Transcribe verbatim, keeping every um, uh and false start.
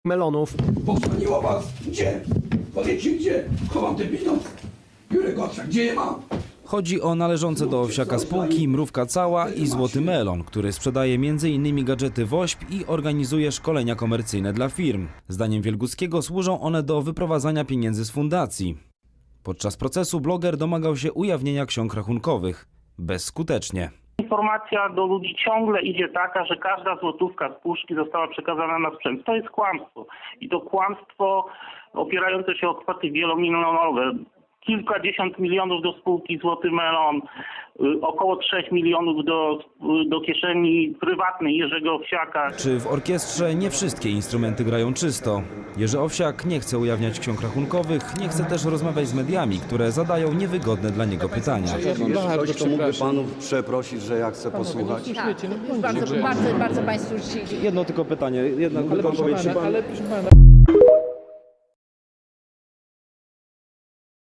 melonów. Podzwoniło was? Gdzie? Powiedzcie gdzie? Chowam te pieniądze. Jurek Gottschalk, gdzie je mam? Chodzi o należące do Owsiaka spółki Mrówka Cała i Złoty Melon, który sprzedaje między innymi gadżety WOŚP i organizuje szkolenia komercyjne dla firm. Zdaniem Wielguckiego służą one do wyprowadzania pieniędzy z fundacji. Podczas procesu bloger domagał się ujawnienia ksiąg rachunkowych. Bezskutecznie. Informacja do ludzi ciągle idzie taka, że każda złotówka z puszki została przekazana na sprzęt. To jest kłamstwo. I to kłamstwo opierające się o kwoty wielomilionowe. Kilkadziesiąt milionów do spółki Złoty Melon, około trzech milionów do, do kieszeni prywatnej Jerzego Owsiaka. Czy w orkiestrze nie wszystkie instrumenty grają czysto? Jerzy Owsiak nie chce ujawniać ksiąg rachunkowych, nie chce też rozmawiać z mediami, które zadają niewygodne dla niego pytania. Jest ktoś, kto mógłby panów przeprosić, że ja chcę posłuchać? Tak, już bardzo, bardzo, bardzo Państwu życzę. Jedno tylko pytanie, jedno tylko odpowiedź. Ale proszę pana.